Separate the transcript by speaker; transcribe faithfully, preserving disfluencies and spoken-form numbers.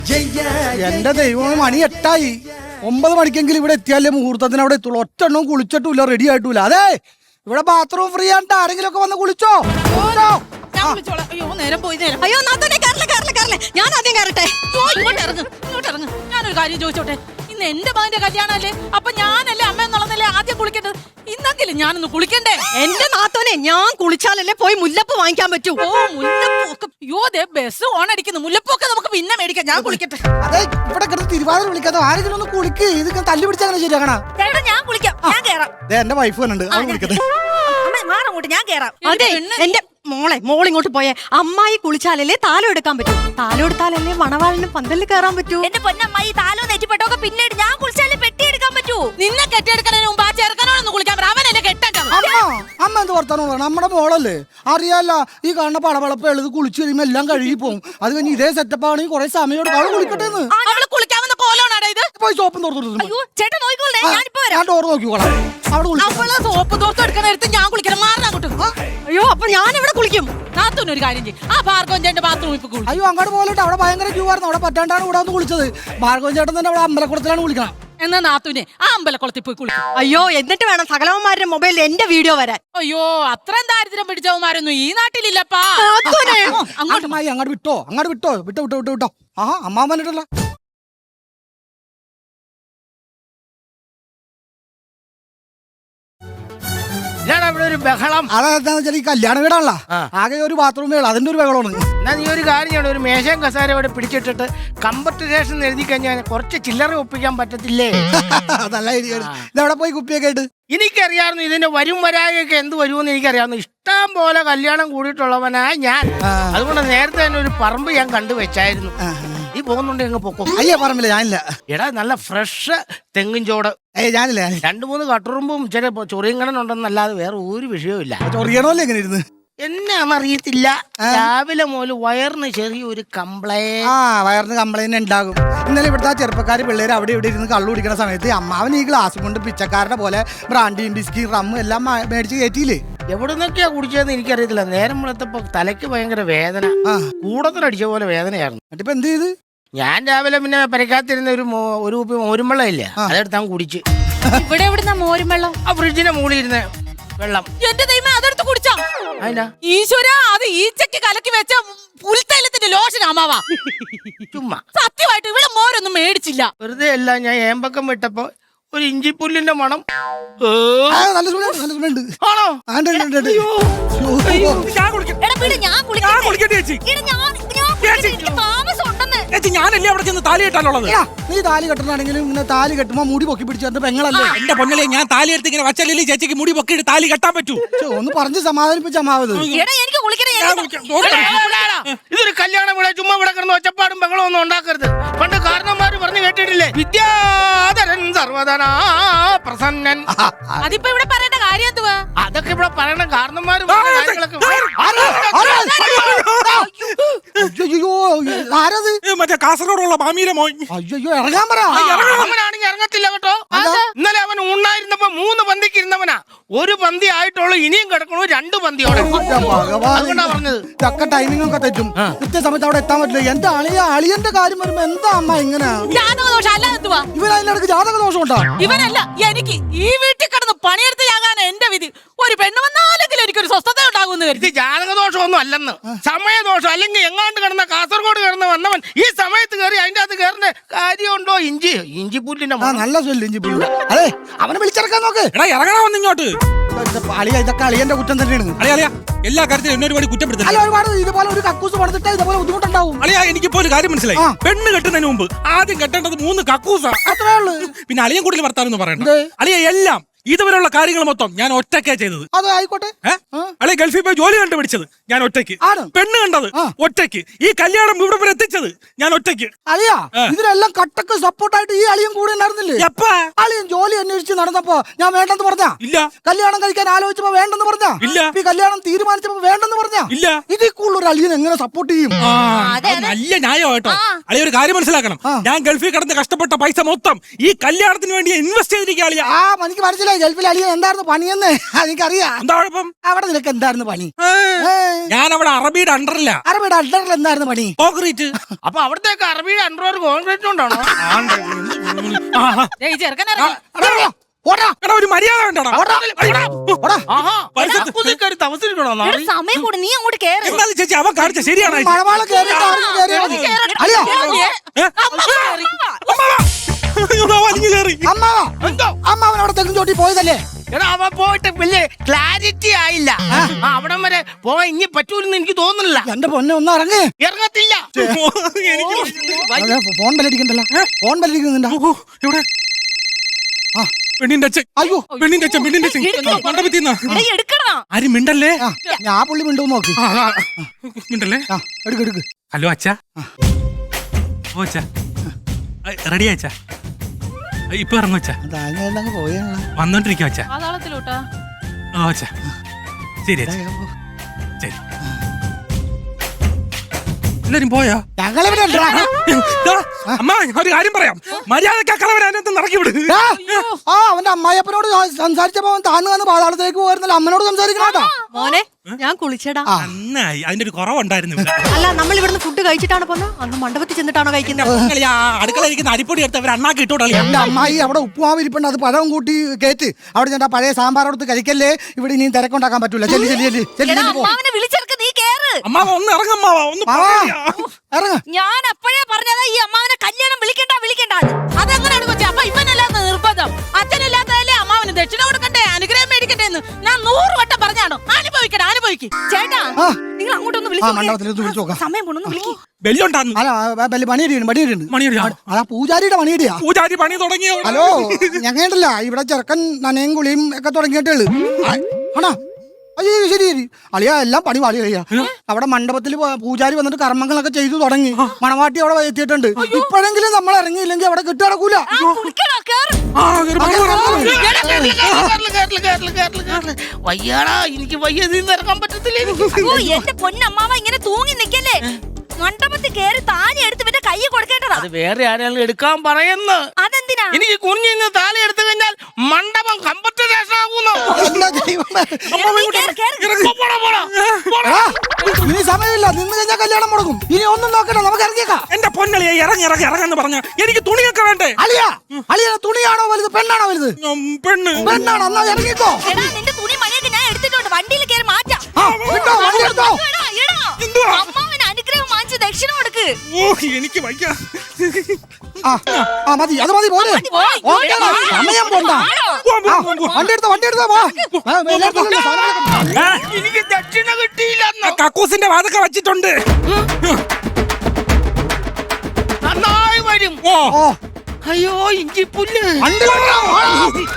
Speaker 1: എന്റെ ദൈവം മണി എട്ടായി. ഒമ്പത് മണിക്കെങ്കിലും ഇവിടെ എത്തിയാലേ മുഹൂർത്തത്തിന് അവിടെ എത്തുള്ളൂ. ഒറ്റെണ്ണം കുളിച്ചിട്ടില്ല, റെഡി ആയിട്ടില്ല. അതെ ഇവിടെ ബാത്റൂം ഫ്രീ ആണ്ട് ആരെങ്കിലും ഒക്കെ വന്ന് കുളിച്ചോ.
Speaker 2: അയ്യോ നേരം പോയി നേരം. അയ്യോ നാത്തോനെ കേറല കേറല കേറല. ഞാൻ ആദ്യം കയറട്ടെ. ഇങ്ങോട്ട് ഇറങ്ങ് ഇങ്ങോട്ട് ഇറങ്ങ്. ഞാനൊരു കാര്യം ചോദിച്ചോട്ടെ. ഇന്ന് എന്റെ മകന്റെ കല്യാണല്ലേ, അപ്പൊ ഞാനല്ലേ അമ്മ എന്നുള്ളതല്ലേ ആദ്യം കുളിക്കേണ്ടത്. ഇന്നെങ്കിലും ഞാനൊന്ന് കുളിക്കണ്ടേ? എന്റെ നാത്തോനെ ഞാൻ കുളിച്ചാലല്ലേ പോയി മുല്ലപ്പ് വാങ്ങിക്കാൻ പറ്റൂ. ഓ മുല്ലപ്പൊക്കെ. അയ്യോ ദേ ബസ് ഓൺ അടിക്കുന്നു. മുല്ലപ്പൊക്കെ നമുക്ക് പിന്നെ മേടിക്കാം. ഞാൻ കുളിക്കട്ടെ.
Speaker 1: അതെ ഇവിടെ കിടന്ന് തിരുവാതിര വിളിക്കാതെ ആരെങ്കിലും ഒന്ന് കുളിക്ക്. ഇത് തല്ലി പിടിച്ചങ്ങനെ ശരിയാക്കണ.
Speaker 2: ഞാൻ കുളിക്കാം. ഞാൻ കേറാം.
Speaker 1: എന്റെ വൈഫ് വന്നുണ്ട്, അവൻ കുളിക്കട്ടെ.
Speaker 2: മാറങ്ങോട്ട്, ഞാൻ കേറാം. അതെ എന്റെ മോളെ മോളിങ്ങോട്ട് പോയേ. അമ്മായി കുളിച്ചാലല്ലേ താലം എടുക്കാൻ പറ്റൂ. താലം എടുത്താലല്ലേ മണവാളിന് പന്തലിൽ കയറാൻ പറ്റൂ. എന്റെ പൊന്നമ്മായി താലോ നെറ്റിപ്പെട്ടൊക്കെ പിന്നീട് ഞാൻ കുളിച്ചാലേ പെട്ടി എടുക്കാൻ പറ്റൂ. നിന്നെ കെട്ടിയെടുക്കണതിന് മുമ്പ് ആ ചെറുക്കനോടൊന്ന് കുളിക്കാൻ പറ. അവൻ എന്നെ കെട്ടേക്കാം.
Speaker 1: അമ്മ അമ്മ എന്ത് വർത്താനം പറയണം? നമ്മുടെ മോളല്ലേ, അറിയാല്ല. ഈ കാണുന്ന പളവളപ്പ് എഴുത് കുളിച്ചു കഴിയുമ്പോ എല്ലാം കഴുകി പോകും. അത് കഴിഞ്ഞ് ഇതേ സെറ്റപ്പ് ആണെങ്കിൽ കുറെ സമയം എടുക്കും. അവള് കുളിക്കട്ടെ.
Speaker 2: അവള് കുളിക്കാവുന്ന കോലോണാടാ ഇത്.
Speaker 1: പോയി സോപ്പും തോർത്തു.
Speaker 2: ചേട്ടൻ നോക്കിക്കോളേ, ഞാനിപ്പോ വരാം.
Speaker 1: ഞാൻ ഡോർ നോക്കിക്കോളാം.
Speaker 2: അവള് സോപ്പ് തോർത്ത് എടുക്കണ എടുത്ത് ഞാൻ കുളിക്കണം. മാറാൻ അങ്ങോട്ട്. അയ്യോ അപ്പൊ ഞാൻ ഇവിടെ കുളിക്കും. നാത്തൂനൊരു കാര്യം ചെയ്യും. ആ ഭാർഗവൻ ചേട്ടന്റെ ബാത്റൂമിൽ ഇപ്പൊ കുളിക്കും.
Speaker 1: അയ്യോ അങ്ങോട്ട് പോയിട്ട് അവിടെ ഭയങ്കര ക്യൂ ആയിരുന്നു. അവിടെ പറ്റാണ്ടാണ് ഇവിടെ വന്ന് കുളിച്ചത്. ഭാർഗവൻ ചേട്ടൻ തന്നെ അവിടെ അമ്പലക്കുളത്തിലാണ് കുളിക്കണം.
Speaker 2: എന്നാ നാത്തൂനെ ആ അമ്പലക്കുളത്തിൽ പോയി കുളിക്കും. അയ്യോ എന്നിട്ട് വേണം സകലവന്മാരുടെ മൊബൈലിൽ എന്റെ വീഡിയോ വരാൻ. അയ്യോ അത്രയും ദാരിദ്ര്യം പിടിച്ചവന്മാരൊന്നും ഈ നാട്ടിലില്ലപ്പാ.
Speaker 1: അങ്ങോട്ട് മായി അങ്ങോട്ട് വിട്ടോ, അങ്ങോട്ട് വിട്ടോ, വിട്ടോ വിട്ടോ വിട്ടോ വിട്ടോ. ആ അമ്മാവൻ വന്നിട്ടല്ല.
Speaker 3: അവിടെ ഒരു ബഹളം.
Speaker 1: അതെന്താന്ന് വെച്ചാൽ ഈ കല്യാണ വീടാണല്ലോ, ആകെ ഒരു ബാത്റൂമേ ഉള്ളൂ. അതിന്റെ ഒരു ബഹളമാണ്.
Speaker 3: എന്നാ നീ ഒരു കാര്യം ചെയ്യണം, ഒരു മേശയും കസാര ഇവിടെ പിടിച്ചിട്ടിട്ട് കമ്പർട്ടേഷൻ എഴുതി കഴിഞ്ഞാൽ കുറച്ച് ചില്ലറ ഒപ്പിക്കാൻ പറ്റത്തില്ലേ?
Speaker 1: നല്ല ഐഡിയ. ഇതെവിടെ പോയി കുപ്പിയൊക്കെ ആയിട്ട്?
Speaker 3: എനിക്കറിയാവുന്നു ഇതിന്റെ വരും വരായൊക്കെ എന്ത് വരുമെന്ന് എനിക്കറിയാവുന്നു. ഇഷ്ടം പോലെ കല്യാണം കൂടിയിട്ടുള്ളവനാ ഞാൻ. അതുകൊണ്ട് നേരത്തെ തന്നെ ഒരു പറമ്പ് ഞാൻ കണ്ടുവച്ചായിരുന്നു. നീ പോകുന്നുണ്ട് എങ്ങ് പൊക്കോ.
Speaker 1: അയ്യ പറമ്പില്ല, ഞാനില്ല.
Speaker 3: എടാ നല്ല ഫ്രഷ് തെങ്ങിൻ ചോട്.
Speaker 1: ഏയ് ഞാനില്ല.
Speaker 3: രണ്ടു മൂന്ന് കട്ടുറുമ്പും ചില ചൊറിയങ്കണനുണ്ടെന്നല്ലാതെ വേറെ ഒരു വിഷയവും ഇല്ല.
Speaker 1: ചൊറിയണമല്ലോ എങ്ങനെ ഇരുന്ന്
Speaker 3: എന്നാന്നറിയത്തില്ല. രാവിലെ മുതൽ വയറിന് ചെറിയൊരു കംപ്ലൈന്റ്.
Speaker 1: ആ വയറിന് കംപ്ലൈന്റ് ഉണ്ടാകും. ഇന്നലെ ഇവിടുത്തെ ആ ചെറുപ്പക്കാർ പിള്ളേർ അവിടെ ഇവിടെ ഇരുന്ന് കള്ളു കുടിക്കുന്ന സമയത്ത് അമ്മാവൻ ഈ ഗ്ലാസ് കൊണ്ട് പിച്ചക്കാരുടെ പോലെ ബ്രാൻഡിയും ബിസ്കി റമ്മ് എല്ലാം മേടിച്ച് കയറ്റിയില്ലേ.
Speaker 3: എവിടെ നിന്നൊക്കെയാ കുടിച്ചതെന്ന് എനിക്കറിയത്തില്ല. നേരം വെളുത്തപ്പോ തലയ്ക്ക് ഭയങ്കര വേദന, കൂടത്തിലടിച്ച പോലെ വേദനയായിരുന്നു.
Speaker 1: എന്നിട്ടിപ്പോ എന്ത് ചെയ്ത്?
Speaker 3: ഞാൻ രാവിലെ പിന്നെ പരിക്കാത്തിരുന്ന ഒരു ഒരു കുപ്പി മോരുമ്പെള്ളം ഇല്ലേ, അതെടുത്താൻ കുടിച്ച്.
Speaker 2: ഇവിടെ എവിടുന്ന മോരും വെള്ളം?
Speaker 3: ആ ഫ്രിഡ്ജിന്റെ മുകളിൽ ഇരുന്ന വെള്ളം.
Speaker 2: എന്റെ ദൈവമേ അതെടുത്ത് കുടിച്ചാ?
Speaker 3: അതിനാ
Speaker 2: ഈശ്വര, അത് ഈച്ചക്ക് കലക്കി വെച്ച പുൽത്തൈലത്തിന്റെ ലോഷൻ അമ്മാവാ.
Speaker 3: ചുമ്മാ
Speaker 2: സത്യമായിട്ട് ഇവിടെ മോരൊന്നും മേടിച്ചില്ല.
Speaker 3: വെറുതെ അല്ല, ഞാൻ ഏമ്പക്കം വിട്ടപ്പോ ഒരു ഇഞ്ചിപ്പുല്ലിന്റെ മണം. ആണോ?
Speaker 4: ഞാനല്ലേ അവിടെ ചെന്ന് താലി കെട്ടാനുള്ളത്.
Speaker 1: നീ താലി കെട്ടണമെങ്കിലും ഇങ്ങനെ താലി കെട്ടുമ്പോ മുടി പൊക്കി പിടിച്ചു പെങ്ങളല്ലേ.
Speaker 4: എന്റെ പൊന്നല്ലേ, ഞാൻ താലി എടുത്ത് ഇങ്ങനെ വച്ചല്ലേ ചേച്ചിക്ക് മുടി പൊക്കിയിട്ട് താലി കെട്ടാൻ പറ്റൂ.
Speaker 1: ഒന്ന് പറഞ്ഞ് സമാധാനിപ്പിച്ച അമ്മാവത്.
Speaker 3: ഇതൊരു കല്യാണം ഇവിടെ ചുമ്മാ ഇവിടെ കിടന്ന് ഒച്ചപ്പാടും ബഹളം ഒന്നും ഉണ്ടാക്കരുത്. പണ്ട് കാരണന്മാര് പറഞ്ഞു കേട്ടിട്ടില്ലേ, വിദ്യാധരൻ സർവധനാ പ്രസന്നൻ.
Speaker 2: അതിപ്പോ ഇവിടെ പറയേണ്ട കാര്യം എന്തുവാ?
Speaker 3: അതൊക്കെ ഇവിടെ പറയണ കാരണന്മാര്
Speaker 4: മറ്റേ കാസർഗോഡുള്ള മാമിയിലെ മോൻ.
Speaker 1: അയ്യോ ഇറങ്ങാൻ പറ.
Speaker 3: അവനാണെങ്കിൽ ഇറങ്ങത്തില്ല കേട്ടോ. ഇന്നലെ അവൻ ഉണ്ണായിരുന്നപ്പോ മൂന്ന് പന്തിക്ക് ഇരുന്നവനാ. ഒരു പന്തി ആയിട്ടുള്ളൂ, ഇനിയും കിടക്കണു രണ്ട് പന്തിയോടെ. അതുകൊണ്ടാ പറഞ്ഞത്.
Speaker 1: ചക്ക ടൈമിംഗ് ഒക്കെ തെറ്റും. കൃത്യസമയത്ത് അവിടെ എത്താൻ പറ്റില്ല. എന്റെ അളിയ അളിയന്റെ കാര്യം വരുമ്പോ എന്താ അമ്മ ഇങ്ങനെ? ഇവൻ അതിനിടക്ക് ജാതക ദോഷം ഉണ്ടോ?
Speaker 2: ഇവനല്ല, എനിക്ക് ഈ വീട്ടിൽ കിടന്ന് പണിയെടുത്ത് ഞാനാണ് എന്റെ വിധി. ഒരു പെണ്ണ് വന്നാലെങ്കിലും എനിക്കൊരു സ്വസ്ഥത ഉണ്ടാകുമെന്ന് കരുതി.
Speaker 3: ഇത് ജാതകദോഷമൊന്നും അല്ലെന്ന്, സമയദോഷം. അല്ലെങ്കിൽ എങ്ങാണ്ട് കിടന്ന കാസർഗോഡ് കിടന്ന് വന്നവൻ ഈ സമയത്ത് കയറി അതിന്റെ അകത്ത് കയറുന്ന കാര്യമുണ്ടോ? ഇഞ്ചി ഇഞ്ചിപ്പുല്ലിന്റെ
Speaker 1: നല്ല സ്വല്ല് ഇഞ്ചിപ്പുല്ല്. അതെ അവനെ വിളിച്ചിറക്കാൻ നോക്ക്.
Speaker 4: എടാ ഇറങ്ങണം ഇങ്ങോട്ട്.
Speaker 1: അളിയ ഇതൊക്കെ അളിയന്റെ കുറ്റം തന്നെയാണ്.
Speaker 4: അളിയ അളിയ എല്ലാ കാര്യത്തിലും എന്നെ ഒരുപാട് കുറ്റപ്പെടുത്തില്ല.
Speaker 1: ഒരുപാട് ഇതുപോലെ ഒരു കക്കൂസ് പണിതിട്ട് ഇതുപോലെ ബുദ്ധിമുട്ടുണ്ടാവും.
Speaker 4: അളിയ എനിക്കിപ്പോ ഒരു കാര്യം മനസ്സിലായി. പെണ്ണ് കെട്ടുന്നതിന് മുമ്പ് ആദ്യം കെട്ടേണ്ടത് മൂന്ന് കക്കൂസാ.
Speaker 1: അത്രേ ഉള്ളൂ.
Speaker 4: പിന്നെ അളിയൻ കൂടുതൽ വർത്താനം പറയണ്ട. അളിയ എല്ലാം ഇതുവരെയുള്ള കാര്യങ്ങൾ മൊത്തം ഞാൻ ഒറ്റയ്ക്കാ ചെയ്തത്.
Speaker 1: അത് ആയിക്കോട്ടെ.
Speaker 4: അല്ലെ ഗൾഫിൽ പോയി ജോലി കണ്ടുപിടിച്ചത് ഞാൻ ഒറ്റയ്ക്ക്. പെണ്ണ് കണ്ടത് ഒറ്റയ്ക്ക്. ഈ കല്യാണം ഇവിടെ വരെ എത്തിച്ചത് ഞാൻ ഒറ്റയ്ക്ക്.
Speaker 1: അളിയാ ഇതിനെല്ലാം കട്ടക്ക് സപ്പോർട്ടായിട്ട് ഈ അളിയൻ കൂടെ ഉണ്ടായിരുന്നില്ലേ? അളിയൻ ജോലി അന്വേഷിച്ച് നടന്നപ്പോ ഞാൻ വേണ്ടെന്ന് പറഞ്ഞ
Speaker 4: ഇല്ല.
Speaker 1: കല്യാണം കഴിക്കാൻ ആലോചിച്ചപ്പോ വേണ്ടെന്ന് പറഞ്ഞ
Speaker 4: ഇല്ല.
Speaker 1: ഈ കല്യാണം തീരുമാനിച്ചപ്പോ വേണ്ടെന്ന് പറഞ്ഞ
Speaker 4: ഇല്ല.
Speaker 1: ഇതിൽ കൂടുതൽ ഒരു അളിയൻ എങ്ങനെ സപ്പോർട്ട് ചെയ്യും?
Speaker 4: നല്ല ന്യായം കേട്ടോ. അളിയ ഒരു കാര്യം മനസ്സിലാക്കണം, ഞാൻ ഗൾഫിൽ കിടന്ന് കഷ്ടപ്പെട്ട പൈസ മൊത്തം ഈ കല്യാണത്തിന് വേണ്ടി ഇൻവെസ്റ്റ് ചെയ്തിരിക്കുക. അളിയ
Speaker 1: ആ എനിക്ക് മനസ്സിലായി. ഗൾഫിലെ ഗൾഫിലെ അളിയൻ എന്തായിരുന്നു പണിയെന്ന് എനിക്കറിയാം.
Speaker 4: എന്താ കുഴപ്പം?
Speaker 1: അവിടെ നിനക്ക് എന്തായിരുന്നു പണി?
Speaker 4: ഞാൻ അവിടെ അറബിയുടെ അണ്ടറില്ല.
Speaker 1: അറബിയുടെ അണ്ടറിൽ എന്തായിരുന്നു പണി?
Speaker 4: കോൺക്രീറ്റ്.
Speaker 3: അപ്പൊ അവിടത്തേക്ക് അറബിയുടെ അണ്ടർ കോൺക്രീറ്റ് കൊണ്ടാണോ?
Speaker 2: ദേ, ഈ ചെറുക്കൻ ഇറങ്ങി.
Speaker 1: ഓടാ
Speaker 4: എടാ ഒരു മര്യാദ വേണ്ടടാ.
Speaker 1: ഓടാ.
Speaker 3: തമസിക്കണോ
Speaker 2: എടാ, സമയം കൂടി നീ അങ്ങോട്ട് കേറ്.
Speaker 4: എന്തായാലും ചേച്ചി അവൻ കാണിച്ച ശരിയാണ് ചേച്ചി.
Speaker 1: മഴവാള കേറിയിട്ട് ആരെങ്കിലും കേറിയാ മതി. അളിയാ
Speaker 4: ഏ? അമ്മാവാ. അയ്യോ, ദാ വലിഞ്ഞു കയറി.
Speaker 1: അമ്മാവാ അമ്മാവൻ അവിടെ തെങ്ങും ചോട്ടി പോയതല്ലേ?
Speaker 3: എടാ അവ പോയിട്ട് വലിയ ക്ലാരിറ്റി ആയില്ല. ആ, അവിടം വരെ പോവാൻ ഇനി പറ്റൂലെന്ന് എനിക്ക് തോന്നുന്നില്ല.
Speaker 1: എന്റെ പൊന്നെ ഒന്ന് ഇറങ്ങ്.
Speaker 3: ഇറങ്ങത്തില്ല.
Speaker 4: എനിക്ക്
Speaker 1: അതെ, ഫോൺ ബെല്ലടിക്കണ്ടല്ലോ. ഫോൺ ബെല്ലടിക്കുന്നുണ്ടോ?
Speaker 4: ഓ, എവിടെ?
Speaker 1: ആ.
Speaker 4: പെണ്ണിന്റെ അച്ഛൻ.
Speaker 1: അയ്യോ
Speaker 4: പെണ്ണിന്റെ അച്ഛൻ പെണ്ണിന്റെ അച്ഛൻ മണ്ഡപത്തിന്നാ.
Speaker 2: എടാ, എടുക്കണോ?
Speaker 4: ആരും മിണ്ടല്ലേ?
Speaker 1: ആ, ഞാൻ ആ പുള്ളി മിണ്ടു നോക്ക്.
Speaker 4: ആ, ആ, മിണ്ടല്ലേ?
Speaker 1: ആ, എടുക്ക് എടുക്ക്.
Speaker 4: ഹലോ അച്ഛാ. ഓ അച്ഛാ, റെഡിയാ അച്ഛാ? ഇപ്പൊ ഇറങ്ങും അച്ഛാ.
Speaker 1: അങ്ങ് പോയാ
Speaker 4: വന്നോണ്ടിരിക്കും അച്ഛാ.
Speaker 2: പാതാളത്തിലോട്ടാ.
Speaker 4: ഓ അച്ഛാ, ശരി അച്ഛാ, ശരി. എല്ലാരും പോയോ?
Speaker 1: ഞങ്ങളിവിടെ ഉണ്ടെടാ.
Speaker 4: ദാ, അമ്മ ഒരു കാര്യം പറയാം. മര്യാദക്ക് കളവരെ അതിനകത്ത് ഇറക്കി വിട്.
Speaker 1: ആ, ആ അവന്റെ അമ്മായിയപ്പനോട് സംസാരിച്ചപ്പോ അവൻ താന്ന് വന്ന് പാതാളത്തിലേക്ക് പോയിരുന്നല്ലോ. അമ്മനോട് സംസാരിക്കണോട്ടോ.
Speaker 5: മോനെ ഞാൻ കുളിച്ചടാ.
Speaker 4: നന്നായി, അതിന്റെ ഒരു കുറവുണ്ടായിരുന്നു ഇവിടെ.
Speaker 5: അല്ല നമ്മൾ ഇവിടുന്ന് ഫുഡ് കഴിച്ചിട്ടാണ് പോന്നെ, അന്ന് മണ്ഡപത്തിൽ ചെന്നിട്ടാണോ കഴിക്കുന്നത്?
Speaker 4: കളി, ആ അടുക്കള ഇരിക്കുന്ന അരിപ്പൊടി എടുത്ത് അവർ അണ്ണാക്കി ഇട്ടോളി.
Speaker 1: എന്റെ അമ്മായി അവിടെ ഉപ്പുമാവ് ഇരിപ്പുണ്ട്, അത് പഴം കൂട്ടി കേറ്റ്. അവിടെ ചെന്നാ പഴയ സാമ്പാർ എടുത്ത് കഴിക്കല്ലേ. ഇവിടെ ഇനിയും തിരക്കുണ്ടാക്കാൻ പറ്റൂല. ചെല്ലി ചെല്ലി ചെല്ലി ചെല്ലി
Speaker 5: എടാ,
Speaker 1: ചെല്ലി പോ.
Speaker 5: അമ്മാവനെ വിളിച്ചെടുക്ക്, നീ കേറ്.
Speaker 4: അമ്മാവ ഒന്ന് ഇറങ്ങമ്മാവ, ഒന്ന്
Speaker 1: മാവാ,
Speaker 4: പറയാ.
Speaker 1: ഇറങ്ങ്.
Speaker 2: ഞാൻ അപ്പോഴേ പറഞ്ഞതാ ഈ അമ്മാവനെ കല്യാണം വിളിക്കണ്ട വിളിക്കണ്ട. അതെങ്ങനെയാണ് കൊച്ചി? അപ്പൊ ഇവനല്ലാത്ത നിർബന്ധം. അച്ഛനില്ലാത്തതല്ലേ അമ്മാവന് ദക്ഷിണ കൊടുക്കണ്ടേ, അനുഗ്രഹം മേടിക്കണ്ടേ എന്ന് ഞാൻ നൂറ് വട്ടം പറഞ്ഞാണോ? അനുഭവിക്കട്ടെ, അനുഭവിക്കും.
Speaker 5: ചേട്ടാ
Speaker 1: ആ.
Speaker 5: നിങ്ങൾ അങ്ങോട്ടൊന്ന്
Speaker 1: ആ
Speaker 5: വിളിച്ചു
Speaker 1: മണ്ഡപത്തിലേക്ക് വിളിച്ചു നോക്കാം.
Speaker 5: സമയം പോണൊന്ന് വിളിക്ക്.
Speaker 4: ബെല്ലുണ്ടാന്നു.
Speaker 1: അല്ല ബലി പണിയടിയുണ്ട് പണിയടിയുണ്ട്.
Speaker 4: മണിയടിയാ?
Speaker 1: അതാ പൂജാരിയുടെ പണിയടിയാ.
Speaker 4: പൂജാരി പണി തുടങ്ങിയോ?
Speaker 1: ഹലോ ഞങ്ങണ്ടല്ല ഇവിടെ ചെറുക്കൻ നനയും കുളിയും ഒക്കെ തുടങ്ങിയിട്ടുള്ളു. ആണോ? അയ്യോ ശരി ശരി അളിയാ, എല്ലാം പണി പാടി കഴിയാ. അവിടെ മണ്ഡപത്തിൽ പൂജാരി വന്നിട്ട് കർമ്മങ്ങളൊക്കെ ചെയ്തു തുടങ്ങി. മണവാട്ടി അവിടെ എത്തിയിട്ടുണ്ട്. ഇപ്പോഴെങ്കിലും നമ്മൾ ഇറങ്ങിയില്ലെങ്കിൽ അവിടെ കിട്ടു നടക്കൂല.
Speaker 2: കുളിക്കണോ? കേറ്.
Speaker 4: ആ, കേറി പോ, കേറി പോ.
Speaker 3: വയ്യാടാ, എനിക്ക് വയ്യ, ഇതിന്ന് ഇറങ്ങാൻ പറ്റത്തില്ല എനിക്ക്.
Speaker 5: ഓ എന്റെ പൊന്നമ്മാവ ഇങ്ങനെ തൂങ്ങി നിക്കല്ലേ. മണ്ഡപത്തിൽ കേറി താലി എടുത്ത് പിന്നെ കൈ കൊടുക്കേണ്ടതാ.
Speaker 3: അത് വേറെ ആരെങ്കിലും എടുക്കാൻ പറയുന്നു.
Speaker 5: അതെന്തിനാ?
Speaker 3: എനിക്ക് കുഞ്ഞിന്ന് താലി എടുത്തു കഴിഞ്ഞാൽ മണ്ഡപം കമ്പത്ത് രക്ഷാകുന്നു.
Speaker 1: എന്താ ദൈവമേ.
Speaker 5: നീ കേറ്, കേറ്.
Speaker 3: പോടാ, പോടാ, പോടാ.
Speaker 1: എടാ, ഇനി സമയമില്ല. നിന്ന് കഴിഞ്ഞാൽ കല്യാണം മുടങ്ങും. ഇനി ഒന്നും നോക്കണ്ട, നമുക്ക് ഇറങ്ങിയേക്കാം.
Speaker 4: എന്റെ പൊന്നളിയെ ഇറങ്ങി ഇറങ്ങി ഇറങ്ങാന്ന് പറഞ്ഞ എനിക്ക് തുണിയൊക്കെ വേണ്ടേ?
Speaker 1: അളിയാ അളിയ തുണിയാണോ വലുത് പെണ്ണാണോ വലുത്?
Speaker 4: ഉം, പെണ്ണ്.
Speaker 1: പെണ്ണാണോ? എന്നാ ഇറങ്ങിക്കോ.
Speaker 5: എടാ നിന്റെ തുണി മണിയൊക്കെ ഞാൻ എടുത്തിട്ടുണ്ട്, വണ്ടിയിൽ കേറി മാറ്റാം.
Speaker 1: ആ, വിട്ടോ, വണ്ടി എടുത്തോ.
Speaker 5: എടാ, എടാ,
Speaker 4: എന്തുവാ?
Speaker 5: അമ്മാവന് അനുഗ്രഹം വാങ്ങിച്ച് ദക്ഷിണ കൊടുക്ക്.
Speaker 4: ഓ എനിക്ക് വയ്യ.
Speaker 1: ആ ആ മതി, അത് മതി പോലെ. ഓക്കേടാ, സമയം പോണ്ട.
Speaker 4: പോ, പോ,
Speaker 1: ആ,
Speaker 4: പോ, പോ.
Speaker 1: വണ്ടി എടുത്തോ വണ്ടി എടുത്തോ വാ. ആ, എല്ലായിടത്തും ഉള്ള സാധനങ്ങളൊക്കെ.
Speaker 4: ആ,
Speaker 3: എനിക്ക് ദക്ഷിണ കിട്ടിയില്ല.
Speaker 4: ആ കക്കൂസിന്റെ വാതൊക്കെ വെച്ചിട്ടുണ്ട്.
Speaker 3: നന്നായി വരും.
Speaker 4: ഓ
Speaker 1: ഓ
Speaker 3: അയ്യോ ഇഞ്ചി പുല്ല്.
Speaker 1: വണ്ടി കൊണ്ടുവാ, വാ.